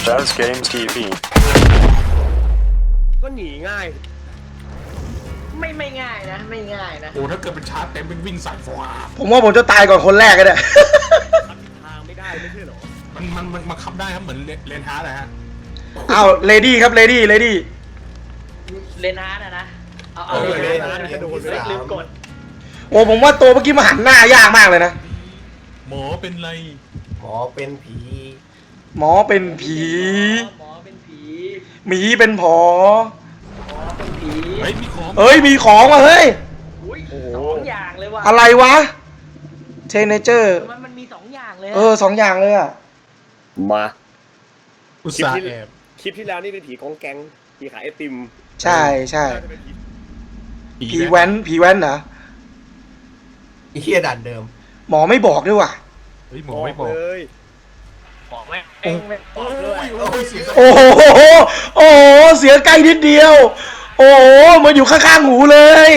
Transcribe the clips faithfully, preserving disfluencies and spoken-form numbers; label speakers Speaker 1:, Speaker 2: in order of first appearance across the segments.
Speaker 1: Jazz Games ที วี
Speaker 2: ก็หนีง่าย
Speaker 3: ไม่ไม่ง่ายนะไม่ง่ายนะ
Speaker 4: โอ้ถ้าเกิดเป็นชาร์จเต็มเป็นวิ่งใส่ฟ้า
Speaker 5: ผมว่าผมจะตายก่อนคนแรกก็ได้
Speaker 2: ทางไม่ได้ไม่ใช่หรอ
Speaker 4: มันมันมันมาขับได้ครับเหมือนเลนฮาร์ดนะฮะ
Speaker 5: อ้าวเลดี้ครับเลดี้เลดี้
Speaker 3: เลนฮาร์ดนะเอาเอา
Speaker 2: เล
Speaker 3: เลย
Speaker 2: นฮาร์ดกระโดดเลย
Speaker 3: ลืมกด
Speaker 5: โอ้ผมว่าตัวเมื่อกี้มาหันหน้ายากมากเลยนะ
Speaker 4: หมอเป็นไร
Speaker 6: หมอเป็นผี
Speaker 5: หมอเป็นผี
Speaker 3: หมอเป็นผี
Speaker 5: หมีเป็นผอ
Speaker 3: หมอเป็นผี
Speaker 4: เฮ้ยมีของ
Speaker 5: เอ้ยมีของว่ะเฮ้ย
Speaker 3: อุ้ยสองอย่างเลยว่ะ
Speaker 5: อะไรวะเทเนเจอร์
Speaker 3: มันมันมีสองอย่างเลย
Speaker 5: เออสองอย่างเลยอ่ะ
Speaker 2: มา
Speaker 4: อุตส่าห์แอบ
Speaker 2: คลิปที่แล้วนี่เป็นผีกองแก๊งผีขายไอติม
Speaker 5: ใช่ใช่
Speaker 2: น่าจะเป็นผี
Speaker 5: ผีแว้นผีแว้นเหรอ
Speaker 6: ไอ้เฮียดันเดิม
Speaker 5: หมอไม่บอกด้วยว่ะ
Speaker 4: เฮ้ยหมอไม่บอก
Speaker 2: เลย
Speaker 3: บอกไหมเองไม่บอกด้วย
Speaker 4: โอ้ยเสียง
Speaker 5: โอ้โหโอ้โหเสียงใกล้นิดเดียว โอ้โหมาอยู่ข้างๆหูเลย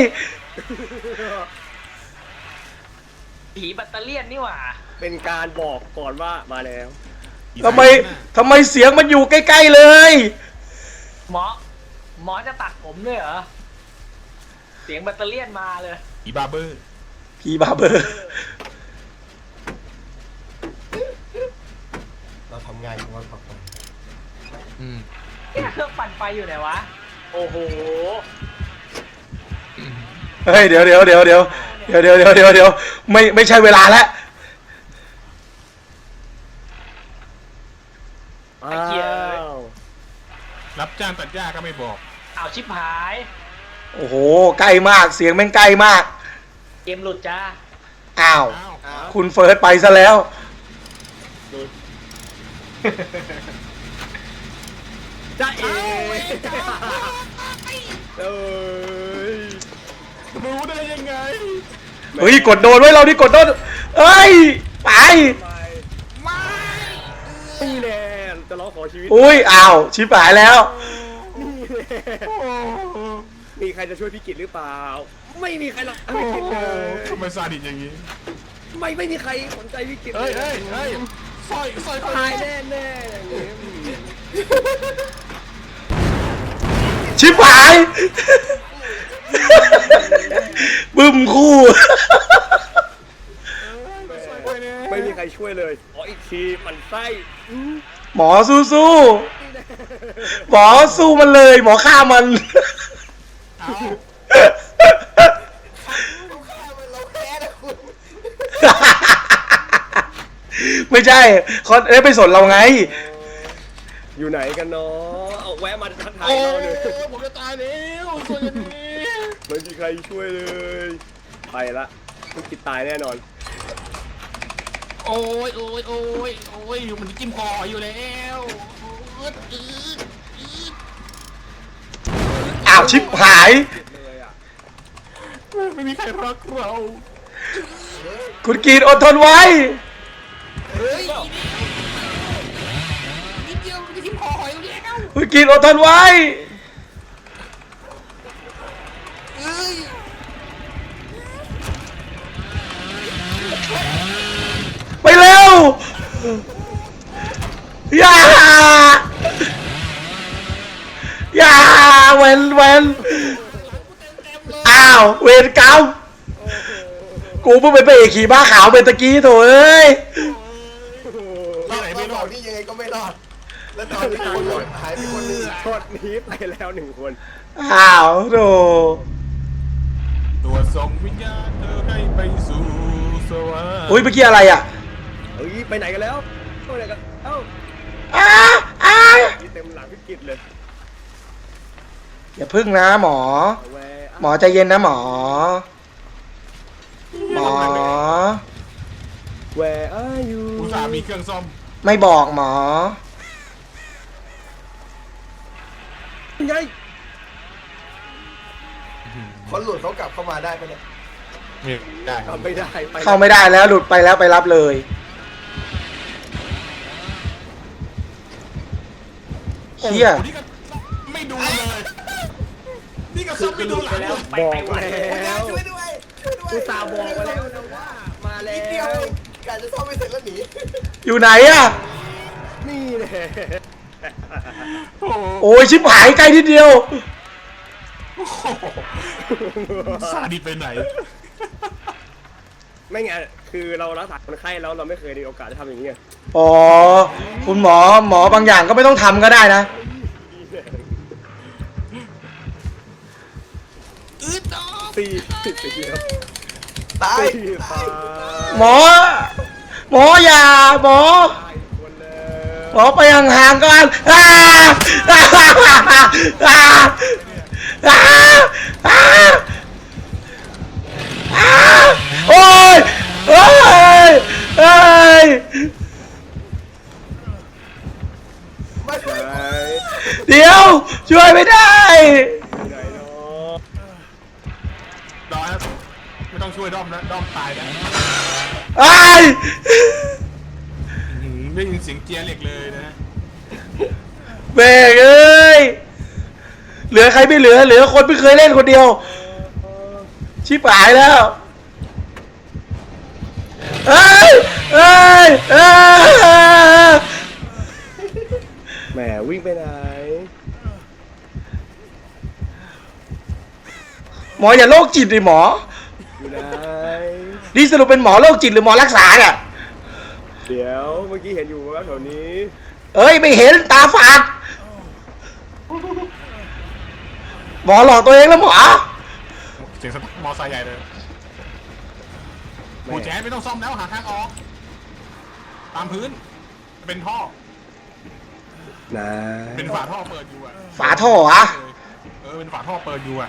Speaker 3: ผีแบตเตอเรี่ยนนี่หว่า
Speaker 2: เป็นการบอกก่อนว่ามาแล้ว
Speaker 5: ทำไมทำไมเสียงมันอยู่ใกล้ๆเลย
Speaker 3: หมอหมอจะตัดผมด้วยเหรอเสียงแบตเตอเรี่ยนมาเลย
Speaker 4: อีบาร์เบอร์
Speaker 5: ผีบาร์เบอร์
Speaker 6: เราทำงานกันวันต่อไป
Speaker 4: อืม
Speaker 3: เนี่ยเครื่องปั่นไฟอยู่ไหนวะโอ้โห
Speaker 5: เฮ้ยเดี๋ยวเดี๋ยวเดี๋ยวเดี๋ยวเดี๋ยวเดี๋ยวเดี๋ยวเดี๋ยวเดี๋ยวไม่ไม่ใช่เวลาแล้ว
Speaker 2: อ้าว
Speaker 4: รับจ้างตัดหญ้าก็ไม่บอก
Speaker 3: เอาชิบหาย
Speaker 5: โอ้โหใกล้มากเสียงแม่งใกล้มาก
Speaker 3: เกมหลุดจ้า
Speaker 5: อ้าว
Speaker 4: อ้าว
Speaker 5: คุณเฟิร์สไปซะแล้ว
Speaker 2: จ้าเอ๋เอ้ย
Speaker 4: รู้ได้ยังไง
Speaker 5: เฮ้ยกดโดนไว้เราดิกดโดนเอ้ยไป
Speaker 2: ไปนี่แหละจะร้องขอชีวิต
Speaker 5: อุ้ยอ้าวชิบหายแล้ว
Speaker 2: นี่แหละมีใครจะช่วยพี่กิตหรือเปล่า ไม่มีใครหรอกไม่กิตเลย
Speaker 4: ทำไมซาดิสอย่างนี้
Speaker 2: ไม่ไม่มีใครสนใจพี่กิต
Speaker 4: เฮ้ยเฮ้ยเฮ้ยสร้อยสร้อย
Speaker 2: ตายแน่แน่ๆอย่างนี้
Speaker 5: ชิบหาย บึ้มคู่
Speaker 2: ไม่มีใครช่วยเลยขออีกทีมันไส้
Speaker 5: หมอสู้สู้ๆหมอสู้มันเลย หมอฆ่ามัน
Speaker 4: เอา
Speaker 6: เราแพ้นะคุณ
Speaker 5: ไม่ใช่เขาเอ้ยไปสนเราไง
Speaker 2: อยู่ไหนกันเนาะเอาแวะมาทักทาย
Speaker 4: โอ้
Speaker 2: เราเลย
Speaker 4: ผมจะตายแล้วช่วยกันนี้
Speaker 2: ไม่มีใครช่วยเลย ไปละพี่กิตตายแน่นอน
Speaker 4: โอ้ยโอ้ยโอ้ยโอ้ยมันจิ้มคออยู่แล้วอืดอืดอืด
Speaker 5: อ้าวชิบหาย
Speaker 2: เลยอ่ะ
Speaker 4: ไม่มีใครรักเรา
Speaker 5: คุณกรีดอดทนไว้
Speaker 4: เฮ้ยนิดเดียวมันจะจิ้มคอหอยอยู่แล้ว
Speaker 5: คุณกรีดอดทนไว้
Speaker 4: เอ้ย
Speaker 5: ไปเร็ว อย่า อย่าเวนเวนอ้าว เวรกรรม กูเพิ่งไปเบรกขี่ม้าขาวเป็นตะกี้โถเอ้ย
Speaker 4: ที่ไหนไม่รอด
Speaker 6: นี่ยังไงก็ไม่รอด แล้วตอนนี้คนหล่นหายไปคนหนึง
Speaker 2: โทษนี้ไปแล้วหนึ่งคน
Speaker 5: อ้าวโถ
Speaker 4: ตัวส่งวิญญาณเธอให้ไปสู่สวรรค์
Speaker 5: อุ้ยเมื่อกี้อะไรอ่ะ
Speaker 2: เฮ้ยไปไหนกันแล้วไปไหนกันเอ้า
Speaker 5: อ้าอ้า
Speaker 2: นี่เต็มหลังพี่กิตเลย
Speaker 5: อย่าพึ่งนะหมอ
Speaker 2: แวะ
Speaker 5: หมอใจเย็นนะหมอ หมอ
Speaker 2: แวร์อายู
Speaker 4: อุตส่าห์มีเครื่องซ่อม
Speaker 5: ไม่บอกหมอ
Speaker 2: ไง
Speaker 6: คนหลุดเขากลับเข้ามาได้ปะเนี่ย
Speaker 4: ไม่ได้
Speaker 2: ทำไม่ได้ไป
Speaker 5: เข้าไม่ได้แล้วหลุดไปแล้วไปรับเลย เฮีย
Speaker 4: นี่ก็ไม่ดูเลย นี่ก็ซ่อมไม่ดูหลัง
Speaker 3: แล้วไป
Speaker 2: บอก
Speaker 3: ไปไหว
Speaker 2: แล้ว
Speaker 6: ช่วยด้วยช่วยด้วย
Speaker 2: กูตาห์บอกมาแล้วนะว่ามาแล้
Speaker 6: นิดเดียว
Speaker 2: ว
Speaker 6: เองการจะซ่อมไม่เสร็จแล้วหนี
Speaker 5: อยู่ไหนอะ
Speaker 2: นี่แหละ
Speaker 4: โอ้โห
Speaker 5: โอ้ยชิบหายใกล้ทีเดียว
Speaker 4: ซาดิสไปไหน
Speaker 2: ไม่ไงคือเรารักษาคนไข้แล้วเราไม่เคยมีโอกาสได้ทำอย่างนี้ไง
Speaker 5: อ๋อคุณหมอหมอบางอย่างก็ไม่ต้องทำก็ได้นะ
Speaker 2: สี่สิบสี่ครับ
Speaker 6: ตาย
Speaker 2: สี่ตาย
Speaker 5: หมอ หมออย่าหมอ
Speaker 2: ตายคนเลย
Speaker 5: หมอไปห่างๆก่อนอ้าอ้าอ้าอ้าอ้าอ้าโอ้ยโอ้ยเอ้ย
Speaker 6: ไม่
Speaker 2: ไหน
Speaker 5: เดี๋ยวช่วยไม่ได้
Speaker 2: ไหนเนาะ
Speaker 4: รอครับไม่ต้องช่วยด้อมนะด้อมตายนะ
Speaker 5: ไอ้าย
Speaker 4: อื้อหือได้ยินเสียงเจียเหล็กเลยนะ
Speaker 5: เบรกเอ้ยเหลือใครไม่เหลือเหลือคนไม่เคยเล่นคนเดียวชิบหายแล้วเอ้ยเอ้ยเอ้ย
Speaker 2: แหมวิ่งไปไหน
Speaker 5: หมออย่าโรคจิตดิหมอ
Speaker 2: อยู่ไหน
Speaker 5: นี่สรุปเป็นหมอโรคจิตหรือหมอรักษาเนี่ย
Speaker 2: เดี๋ยวเมื่อกี้เห็นอยู่ว่าแถวนี้
Speaker 5: เอ้ยไม่เห็นตาฝาดหมอหลอกตัวเองแล้วหมอ
Speaker 4: เสียงสตาร์ทมอไซค์ใหญ่เลยกูแจ๊ดไม่ต้องซ่อมแล้วหาทางออก ตามพื้น เป็นท่อ
Speaker 2: ไหน
Speaker 4: เป็นฝาท่อเปิดอยู่อ่ะ
Speaker 5: ฝาท่อเหรอะ
Speaker 4: เออเป็นฝาท่อเปิดอยู่อ่ะ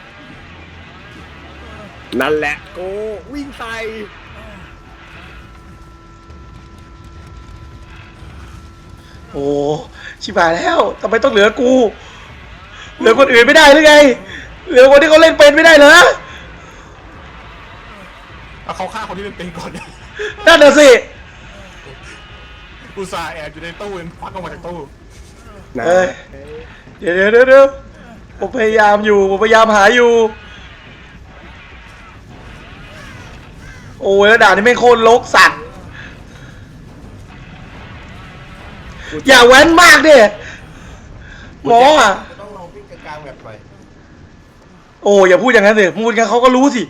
Speaker 2: นั่นแหละโกวิ่งใส่
Speaker 5: โอ้ชิบหายแล้วทำไมต้องเหลือกู เหลือคนอื่นไม่ได้หรือไง เหลือคนที่เขาเล่นเป็นไม่ได้เหรอ
Speaker 4: เอาเขาฆ่าคนที่เป็นเป็นก่อน
Speaker 5: นั่นน่ะสิ
Speaker 4: อุตส่าห์แอบอยู่ในตู้เองควักออกมาจากตู้
Speaker 2: ไหน
Speaker 5: เอ้ย เดี๋ยวเดี๋ยวเดี๋ยวเดี๋ยวผมพยายามอยู่ผมพยายามหาอยู่ โอ้ยแล้วด่านนี้ไม่งโคตรลกสัตว์ อย่าแว้นมากดิหมออ่ะ
Speaker 6: จะต้องลองวิ่งกลางๆแบบหน่อย
Speaker 5: โอ้อย่าพูดอย่างนั้นสิพูดกันเขาก็รู้สิ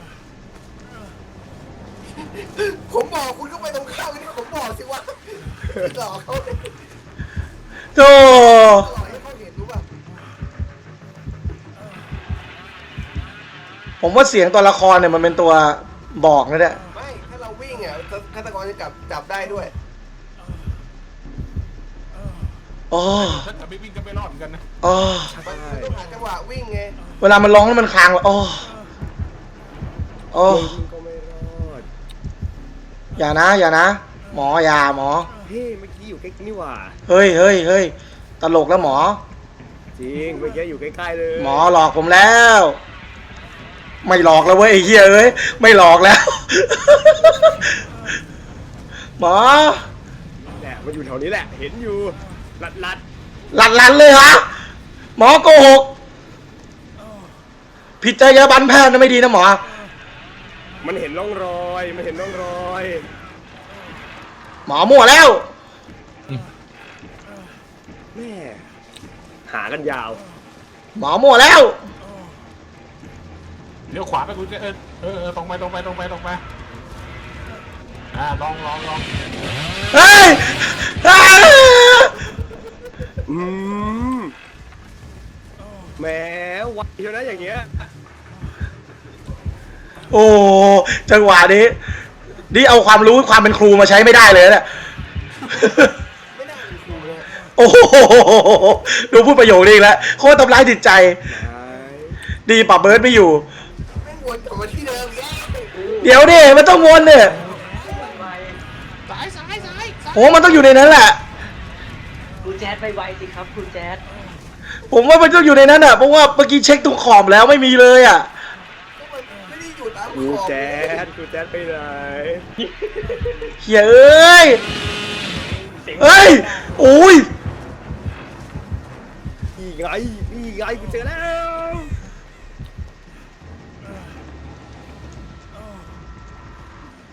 Speaker 6: ผมบอกคุณก็ไปตรงข้ามนี่ผมบอกสิว่าหลอกเขาเลย
Speaker 5: โธ่
Speaker 6: หลอกให้เขาเห็นรู้ป่ะ
Speaker 5: ผมว่าเสียงตัวละครเนี่ยมันเป็นตัวบอกนะเนี่ย
Speaker 6: ไม่ถ้าเราวิ่งอ่ะฆาตกรจะจับจับได้ด้วย
Speaker 5: อ๋อ
Speaker 4: ถ้าเกิดไม่วิ่งก็ไม่รอดเหมือนกันนะ
Speaker 5: อ๋อ
Speaker 6: มันต้องหาจังหวะวิ่งไง
Speaker 5: เวลามันร้องแล้วมันคลางเลยอ๋ออ๋อ
Speaker 2: วิ่งก็ไม่รอด
Speaker 5: อย่านะ อย่านะ หมออย่าหมอ
Speaker 2: เฮ้ยเมื่อกี้อยู่ใกล้นี่หว่า
Speaker 5: เฮ้ยเฮ้ยเฮ้ยตลกแล้วหมอ
Speaker 2: จริงเมื่อกี้อยู่ใกล้ๆเลย
Speaker 5: หมอหลอกผมแล้ว ไม่หลอกแล้วเว้ยไอ้เหี้ยเอ้ยไม่หลอกแล้ว หมอ
Speaker 2: แหละมันอยู่แถวนี้แหละเห็นอยู่ลัดลัด
Speaker 5: หลัดหลันเลยฮะหมอโกหกผิดจรรยาบรรณแพทย์นะไม่ดีนะหมอ
Speaker 2: ๆมันเห็นร่องรอยมันเห็นร่องรอย
Speaker 5: หมอมั่วแล้ว
Speaker 2: แม่หากันยาว
Speaker 5: หมอมั่วแล้ว
Speaker 4: เลี้ยวขวาไปกูจะเออเออเออตรงไปตรงไปตรงไปตรงไปอ่าลองลองลอง
Speaker 5: เฮ้ยอ้า
Speaker 2: อืมแหมไวเชียวนะอย่างเงี้ย
Speaker 5: โอ้จังหวะนี้นี่เอาความรู้ความเป็นครูมาใช้ไม่ได้เลยเนี่ย
Speaker 6: ไม่น่าเป็นครูเลย
Speaker 5: โอ้โหดูพูดประโยคนี้อีกแล้วโคตรทำร้ายจิตใจ ดีปรับเบิร์ดไม่อยู่
Speaker 6: ไม่วนกลับมาที่เดิมแล้ว
Speaker 5: เดี๋ยวดิมันต้องวนเนี่ย
Speaker 4: ซ้ายซ้ายซ้ายซ้าย
Speaker 5: โอ้มันต้องอยู่ในนั้นแหละ
Speaker 3: คุณแจ๊ดไปไวสิครับคุณแจ๊ด
Speaker 5: ผมว่ามันต้องอยู่ในนั้นอ่ะเพราะว่าเมื่อกี้เช็คตรงขอบแล้วไม่มีเลยอ่ะ
Speaker 6: ก็มันไม่ได้อยู่ตามข
Speaker 2: กู
Speaker 6: อบ
Speaker 2: แจ๊ดกูแจ๊ดไปไหน
Speaker 5: เฮียเอ้ย
Speaker 3: เสียง
Speaker 5: เอ้ยโอ้ย
Speaker 2: นี่ไงนี่ไงกูเจอแล้ว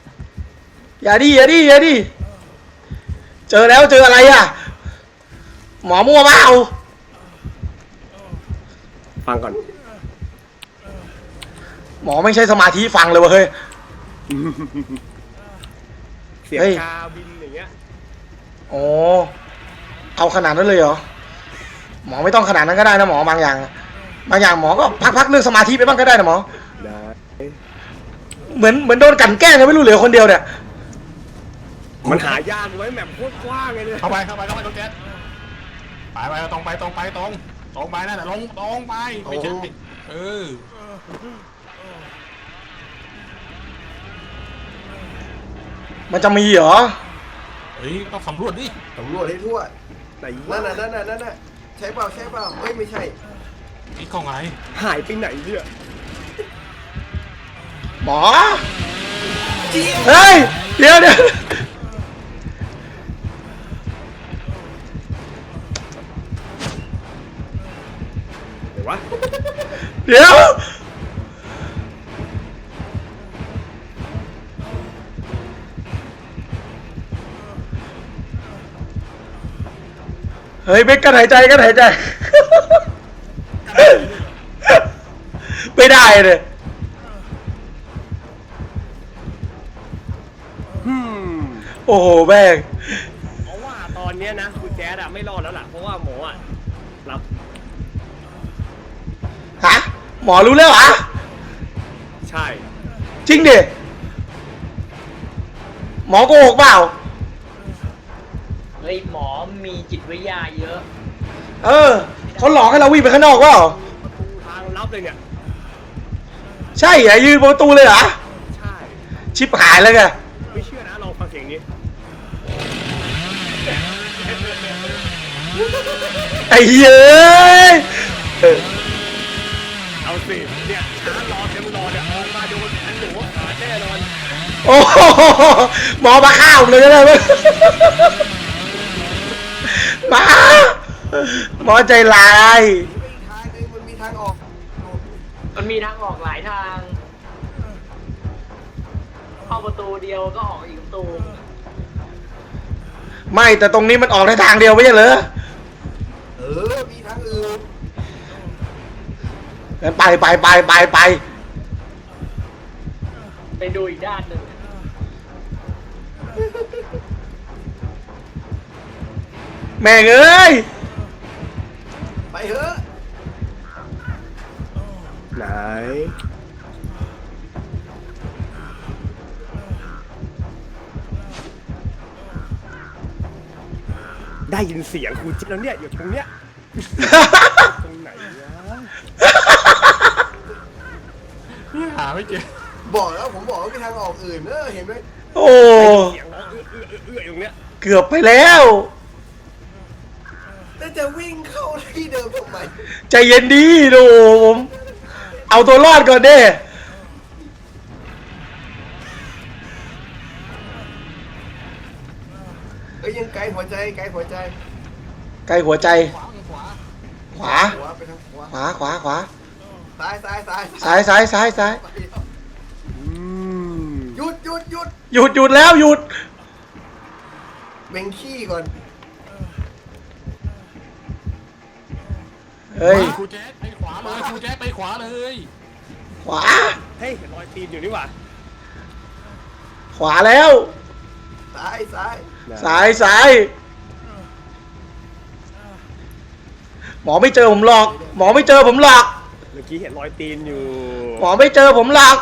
Speaker 5: อย่าดิอย่าดิอย่าดิเจอแล้วเจออะไรอ่ะหมอมั่วเปล่า
Speaker 2: ฟังก่อน
Speaker 5: หมอไม่ใช่สมาธิฟังเลยวะเฮ้ย
Speaker 2: เสียง
Speaker 5: เฮ้ย
Speaker 2: กาบินอย่างเงี้ย
Speaker 5: โอ้เอาขนาดนั้นเลยเหรอหมอไม่ต้องขนาดนั้นก็ได้นะหมอบางอย่างบางอย่างหมอก็พักๆเรื่องสมาธิไปบ้างก็ได้นะหมอ
Speaker 2: ได้
Speaker 5: เหมือนเหมือนโดนกลั่นแกล้งไงไม่รู้เหลือคนเดียวเนี่ย
Speaker 2: มันหายากไว้แมปโคตรกว้างเลยเนี่ย
Speaker 4: เข้าไปเข้าไปเข้าไปตรงแก๊สไปไปตรงไปตรงไปตรงตรงไปนั่นแหละลงตรงไปไม่ใช่เออ
Speaker 5: มันจะมีเหรอ
Speaker 4: เฮ้ยต้องสำรวจดิ
Speaker 6: สำรวจให้ทั่ว
Speaker 2: ไหน
Speaker 6: นั่นน่ะนั่นน่ะนั่นน่ะใช่เปล่าใช่เปล่าเฮ้ยไม่ใช่
Speaker 4: นี่กล่องอะไร
Speaker 2: หายไปไหนเนี่ย
Speaker 5: หมอเฮ้ยเดี๋ยวเดี๋ยว
Speaker 2: เดี๋ยววะ
Speaker 5: เดี๋ยวเฮ้ยเบกกันหายใจกันหายใจ ไม่ได้เลย
Speaker 2: ฮึม
Speaker 5: โอ้โหแม่ง
Speaker 2: เพราะว่าตอนเนี้ยนะคุณแจ๊ดอะไม่รอดแล้วล่ะเพราะว่าหมออะรับ
Speaker 5: ฮะหมอรู้แล้วเหรอ
Speaker 2: ใช่
Speaker 5: จริงดิหมอโกหกเปล่า
Speaker 3: เฮ้ยหมอมีจิตวิทยาเยอะ
Speaker 5: เออเขาหลอกให้เราวิ่งไปข้างนอกเปล่า
Speaker 2: ประตูทางลับเลยเนี่ย
Speaker 5: ใช่เหรอยืนบนประตูเลยเหรอ
Speaker 2: ใช่
Speaker 5: ชิบหายแล้วไง
Speaker 2: ไม่เชื่อนะลองฟังเสียงนี้
Speaker 5: ไอ้เหี้ยเอ้ย
Speaker 2: เอาสิเนี่ยช้ารอเต็มรอเนี่ยออกมาโดนอันหนูขาดแน่นอน
Speaker 5: โอ้โหหมอมาฆ่าผมเลยก็ได้ไหมหมาหมอใจร้าย
Speaker 6: ไม่ทางนึงมันมีทางออก
Speaker 3: มันมีทางออกหลายทาง เข้าประตูเดียวก็ออกอีกประตู
Speaker 5: ไม่แต่ตรงนี้มันออกในทางเดียวไม่ใช่เหรอ
Speaker 6: เออมีทางอื่น
Speaker 5: งั้นไปไปไปไปไป
Speaker 3: ไปดูอีกด้านหนึ่ง
Speaker 5: แม่งเอ้ย
Speaker 6: ไปเถอะ
Speaker 2: ไหนได้ยินเสียงคุณจิ๊บแล้วเนี่ยอยู่ตรงเนี้ยตรงไหนวะ
Speaker 4: หาไม่เจอ
Speaker 6: บอกแล้วผมบอกว่ามีทางออกอื่นเออเห็นไหม
Speaker 5: โอ้
Speaker 2: เสียงร้องเอื้อเอื้อเอื้ออยู่ตรงเนี้ย
Speaker 5: เกือบไปแล้ว
Speaker 6: แล้วจะวิ่งเข้าที่เดิมทำไม
Speaker 5: ใจเย็นดีดูผมเอาตัวรอดก่อนเด้
Speaker 6: เอ้ยยังไกลหัวใจไกลหัวใจ
Speaker 5: ใกล้หัวใจ
Speaker 4: ขวาขวา
Speaker 5: ขวา
Speaker 6: ขวาไปทางขวา
Speaker 5: ขวาขวาขวา
Speaker 6: ซ้ายซ้ายซ้าย
Speaker 5: ซ้ายซ้ายซ้ายซ้าย
Speaker 6: ไป
Speaker 2: อืม
Speaker 6: หยุดหยุดหยุด
Speaker 5: หยุดหยุดแล้วหยุด
Speaker 6: เบ่งขี้ก่อน
Speaker 5: เฮ้ย
Speaker 4: ครูแจ๊คไปขวาเลยครูแจ๊คไปขวาเลย
Speaker 5: ขวา
Speaker 2: เฮ้ยเห็นรอยตีนอยู่นี่หว่า
Speaker 5: ขวาแล้ว
Speaker 6: ซ้ายซ้าย
Speaker 5: ซ้ายซ้ายหมอไม่เจอผมหรอก หมอไม่เจอผมหรอก
Speaker 2: เมื่อกี้เห็นรอยตีนอยู่
Speaker 5: หมอไม่เจอผมหรอก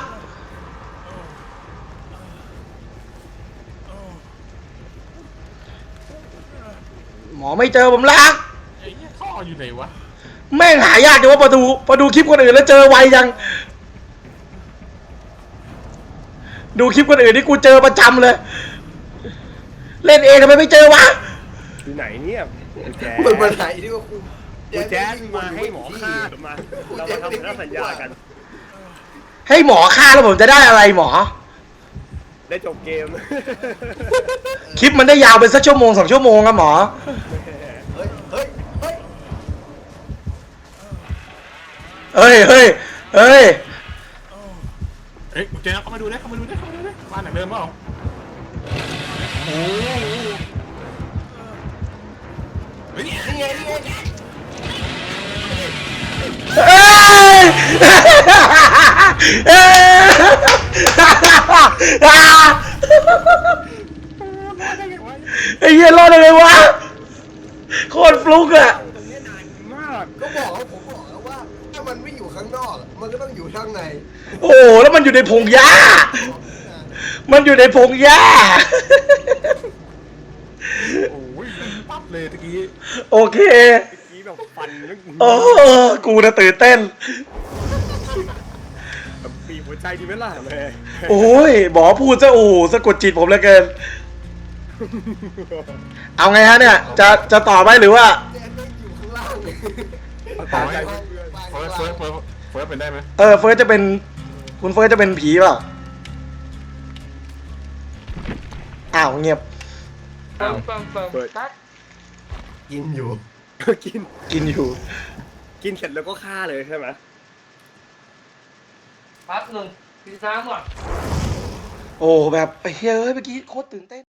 Speaker 5: หมอไม่เจอผมหรอก
Speaker 4: ไอ้เนี่ยท่ออยู่ไหนวะ
Speaker 5: แม่งหายากจังว่าประตูประดูคลิปคนอื่นแล้วเจอไวยัง ดูคลิปคนอื่นนี่กูเจอประจำเลย เล่นเองทำไมไม่เจอวะ
Speaker 2: อยู่ไหนเนี่ยคุณแจ๊
Speaker 6: มันมาไหนที่ว่าคุณ
Speaker 2: คุณแจ๊ดมาให้หมอฆ่าหรือมาเรามาทำสัญญากัน
Speaker 5: ให้หมอฆ่าแล้วผมจะได้อะไรหมอ
Speaker 2: ได้จบเกม
Speaker 5: คลิปมันได้ยาวเป็นสักชั่วโมงสองชั่วโมงครับหมอ
Speaker 6: เฮ้ยเฮ้ยเฮ้ย
Speaker 5: เฮ้ยเฮ้ยเฮ้ย
Speaker 4: เอ้ยครูแจ๊คเข้ามาดูได้เข้ามาดูได้เข้ามาดูได้บ้านไหนเดิมเปล่าโอ้โหเฮ้ย
Speaker 6: นี่ไงนี่ไง
Speaker 5: เอ้ยเอ้ยไอ้เหี้ยรอดได้ไงวะโคตรฟลุกอะ
Speaker 2: ตรงนี้นานมาก
Speaker 6: ก็บอกแล้วผมบอกแล้วว่าถ้ามันไม่อยู่ข้างนอกมันก็ต้องอยู่ข้างใน
Speaker 5: โอ้แล้วมันอยู่ในพงหญ้า มันอยู่ในพงหญ้า
Speaker 4: โอ้ยปั๊บเลยตะกี้
Speaker 5: โอเค
Speaker 2: เมื่อกี้แบบฟันนึก
Speaker 5: โอ้กูน่ะตื่นเต้น
Speaker 2: แบบปีบหัวใจดีไหมล่ะแม่
Speaker 5: โอ้ยหมอพูดซะโอ้สะกดจิตผมเหลือเกิน เอาไงฮะเนี่ย จะจะต่อไหมหรือว่า
Speaker 6: แจนไม่อยู่ข้างล่างเลย
Speaker 2: ตามใจ
Speaker 6: ไป
Speaker 2: เพื่อน
Speaker 6: ไป
Speaker 4: เฟิร์สเฟิร์สเฟิร์สเฟิร์สเป็นได้ไหม
Speaker 5: เออเฟิร์สจะเป็น คุณเฟิร์สจะเป็นผีเปล่าอ้าวเงียบ
Speaker 3: เปิมเปิมเปิมตัด
Speaker 6: กินอยู่
Speaker 2: กิน
Speaker 5: กินอยู่
Speaker 2: กินเสร็จแล้วก็ฆ่าเลยใช่ไหม
Speaker 3: แป๊บหนึ่งกินน้ำก่อน
Speaker 5: โอ้แบบเฮ้ยเมื่อกี้โคตรตื่นเต้น